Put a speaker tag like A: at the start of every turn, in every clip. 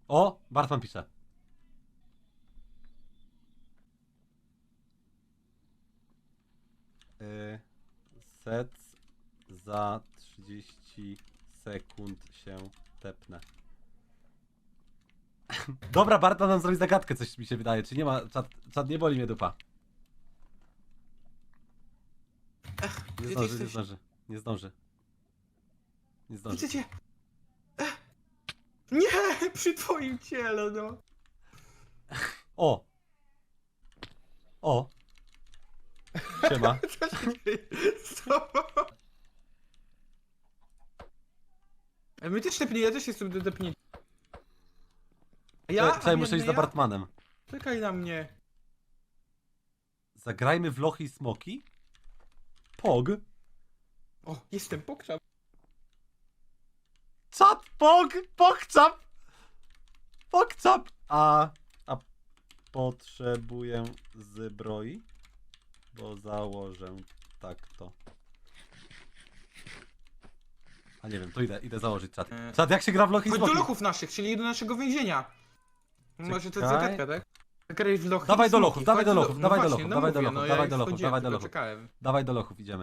A: O, Bartman pisze. Set za 30 sekund się tepnę. Dobra, Bartman nam zrobi zagadkę, coś mi się wydaje. Czy nie ma... Czad nie boli mnie dupa. Nie zdąży, nie zdąży. Nie zdąży. Nie zdąży.
B: Widzę cię! Nie! Przy twoim ciele, no!
A: O! O! Siema.
B: Co się dzieje z tobą? My też tepnij, ja też jestem do tepnięcia.
A: Czekaj, muszę iść za Bartmanem.
B: Czekaj na mnie.
A: Zagrajmy w lochy i smoki? Pog?
B: O, jestem pokrzap.
A: Czap, pog, pogczap! Pogczap! A potrzebuję zbroi, bo założę tak to. A nie wiem, to idę założyć czat. Czat, jak się gra w lochy i
B: Chodź do
A: smoki?
B: lochów naszych, czyli do naszego więzienia. Może to jest
A: Czekaj.
B: zagadka, tak? Zagraj w lochy
A: Dawaj
B: i
A: do
B: smoki.
A: lochów, dawaj
B: Chodź
A: do lochów,
B: no
A: dawaj do
B: właśnie,
A: lochów,
B: no
A: dawaj do
B: mówię,
A: lochów,
B: no
A: dawaj
B: ja
A: do lochów,
B: wchodziłem,
A: dawaj do
B: tylko
A: lochów.
B: czekałem.
A: Dawaj do lochów, idziemy.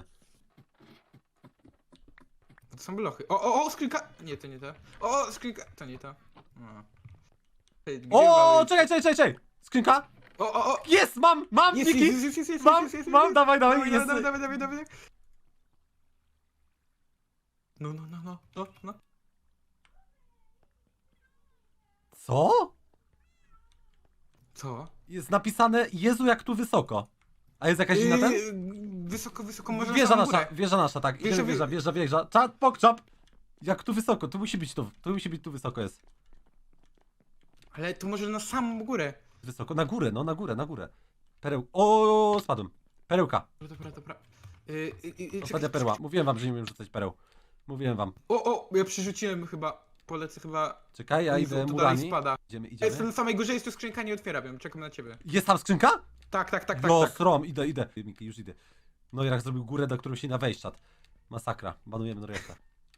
B: To są lochy. O, skrzynka! Nie, to nie to. O, skrzynka! To nie to. No. Ej, gdzie
A: O,
B: mamy-
A: czekaj! Skrzynka?
B: O!
A: Jest, mam,
B: Jest,
A: Miki!
B: jest,
A: Mam, dawaj, jest.
B: dawaj. No.
A: Co?
B: Co?
A: Jest napisane, Jezu, jak tu wysoko. A jest jakaś inna ten?
B: Wysoko, może na
A: Wieża
B: samą
A: nasza,
B: górę.
A: wieża nasza, tak. Wieża. Czap, pokczap. Jak tu wysoko, tu musi być tu wysoko jest.
B: Ale tu może na samą górę.
A: Wysoko, na górę, no na górę. O, spadłem. Perełka.
B: Dobra.
A: Ostatnia perła. Mówiłem wam, że nie umiem rzucać pereł. Mówiłem wam.
B: Ja przerzuciłem chyba. Polecę chyba.
A: Czekaj, ja idę
B: to
A: murami.
B: dalej spada.
A: Idziemy.
B: Jestem na samej górze, jest tu skrzynka, nie otwieram, czekam na ciebie.
A: Jest tam skrzynka?
B: Tak.
A: Strom, idę. Miki, już idę. Noirak zrobił górę, do której się nie da wejść, czat. Masakra. Banujemy Noiraka.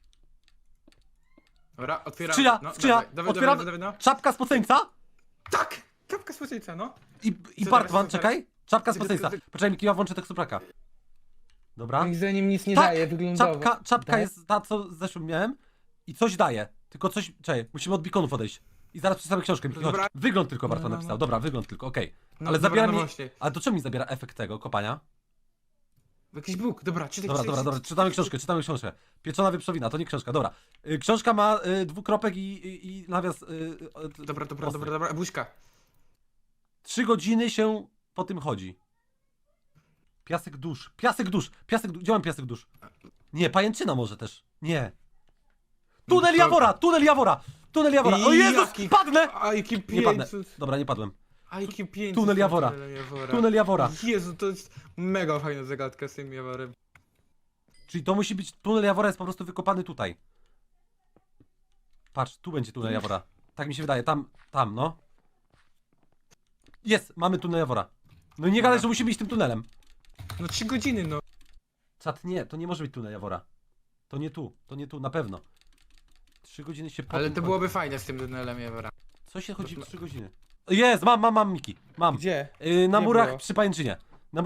B: Dobra, otwieram.
A: Skrzynia,
B: No,
A: skrzynia.
B: dawaj,
A: Otwieram.
B: no.
A: Czapka z poceńca.
B: Tak! Kapka słońca, no.
A: I
B: Co
A: Bartman,
B: teraz?
A: czekaj. Czapka z
B: Tylko-
A: poceńca.
B: tylko-
A: Poczekaj, Miki, ja włączę tekstupraka. Dobra.
C: Moim zdaniem nic nie
A: Tak,
C: daje, wyglądowo.
A: Czapka
C: Tak?
A: jest ta, co z zeszłym miałem. I coś daje. Tylko coś. Czekaj, musimy od beaconów odejść. I zaraz przeczytamy książkę. Miki, chodź.
B: Dobra.
A: Wygląd tylko Bartman
B: No.
A: napisał. Dobra, wygląd tylko, okej.
B: No,
A: Ale
B: dobra,
A: zabiera
B: no
A: mi.
B: właśnie.
A: Ale to czemu mi zabiera efekt tego kopania?
B: Jakiś Bóg, dobra, czytaj.
A: Dobra, czytamy książkę. Pieczona wieprzowina, to nie książka, dobra. Książka ma dwukropek i nawias.
B: Dobra, buźka.
A: 3 godziny się po tym chodzi. Piasek dusz. Gdzie mam piasek dusz? Nie, pajęczyna może też. Nie. Tunel Jawora! O Jezus,
B: Jaki-
A: padnę!
B: IQ
A: Nie padnę.
B: 500.
A: Dobra, nie padłem.
B: IQ 500.
A: Tunel Jawora. Tunel Jawora.
B: Jezu, to jest mega fajna zagadka z tym Jaworem.
A: Czyli to musi być, tunel Jawora jest po prostu wykopany tutaj. Patrz, tu będzie tunel Jawora. Tak mi się wydaje, tam, no. Jest, mamy tunel Jawora. No i nie gadaj, że musimy iść tym tunelem.
B: No 3 godziny, no.
A: Czat, nie, to nie może być tunel Jawora. To nie tu, na pewno. 3 godziny się po
B: Ale
A: tym
B: to
A: chodzi.
B: byłoby fajne z tym tunelem Jawora.
A: Co się chodzi w 3 godziny? Jest, mam, Miki, mam.
C: Gdzie?
A: Na
C: Nie
A: murach
C: było.
A: przy pajęczynie.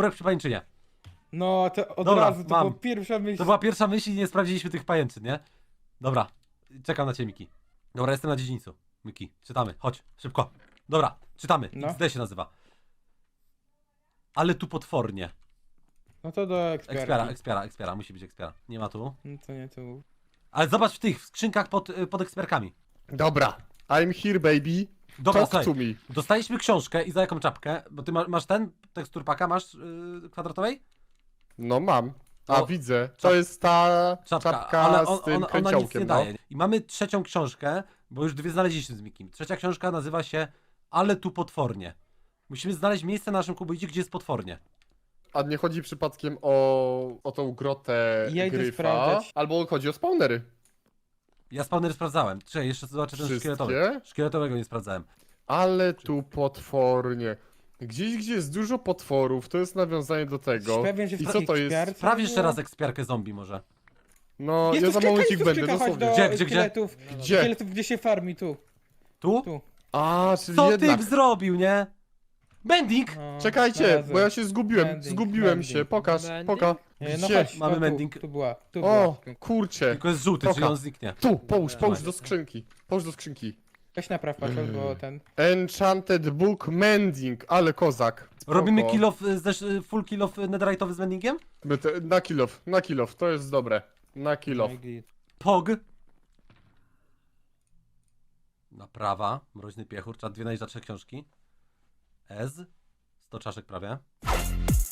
C: No, to od
A: Dobra,
C: razu, to
A: mam.
C: była pierwsza myśl.
A: To była pierwsza myśl i nie sprawdziliśmy tych pajęczyn, nie? Dobra, czekam na ciebie, Miki. Dobra, jestem na dziedzińcu. Miki, czytamy, chodź, szybko. Dobra, czytamy,
C: No.
A: XD się nazywa. Ale tu potwornie.
C: No to do ekspiarki.
A: Ekspiara, musi być ekspiara. Nie ma tu.
C: No to nie tu.
A: Ale zobacz w tych skrzynkach pod ekspiarkami.
D: Dobra, I'm here baby.
A: Dobra,
D: Talk to
A: słuchaj,
D: me.
A: dostaliśmy książkę i za jaką czapkę? Bo ty masz ten teksturpaka, masz kwadratowej?
D: No mam. A
A: O,
D: widzę. To jest ta czapka
A: ale
D: z tym
A: ona nic nie
D: kręciołkiem, no.
A: daje. I mamy trzecią książkę, bo już 2 znaleźliśmy z Mikim. Trzecia książka nazywa się Ale tu potwornie. Musimy znaleźć miejsce na naszym kuboidzie, gdzie jest potwornie.
D: A nie chodzi przypadkiem o tą grotę
C: Ja idę
D: gryfa,
C: sprawdzać.
D: albo chodzi o spawnery.
A: Ja spawnery sprawdzałem. Czekaj, jeszcze zobaczę ten
D: Wszystkie?
A: szkieletowy. Szkieletowego nie sprawdzałem.
D: Ale tu potwornie. Gdzieś, gdzie jest dużo potworów, to jest nawiązanie do tego.
C: Pewien, że w
D: I co
C: takiej
D: to jest?
C: ekspiarce
A: Sprawdź
C: było?
A: jeszcze raz ekspiarkę zombie może.
D: No,
C: Jest
D: ja
C: tu
D: za
C: skrzynka,
D: momencik
C: jest tu
D: będę,
C: skrzynka, chodź
D: dosłownie.
C: do
A: Gdzie?
C: szkieletów.
D: Gdzie?
C: Szkieletów, gdzie się farmi, tu.
A: Tu?
C: Tu.
D: A, czyli
A: Co
D: jednak.
A: typ zrobił, nie? Bending!
C: No,
D: Czekajcie,
C: znalazłem.
D: bo ja się zgubiłem.
C: Mending,
D: Zgubiłem
C: mending.
D: się. Pokaż,
E: Mending?
D: pokaż.
C: Nie, no
D: Gdzie?
C: chodź,
A: Mamy
C: no,
A: mending.
C: Tu była, tu
D: O,
C: była.
D: kurczę.
A: Tylko jest żółty, czyli
D: Poka.
A: on zniknie.
D: Tu, połóż
E: Dobra.
D: do skrzynki. Połóż do skrzynki.
C: Weź napraw patrol, bo ten...
D: Enchanted Book Mending, ale kozak. Spoko.
A: Robimy kill off, full kill off netherite'owy z bendingiem?
D: Na kill off, to jest dobre. Na kill off.
A: Pog. Naprawa, mroźny piechur, trzeba 2 najrzadsze książki. Ez, 100 czaszek prawie.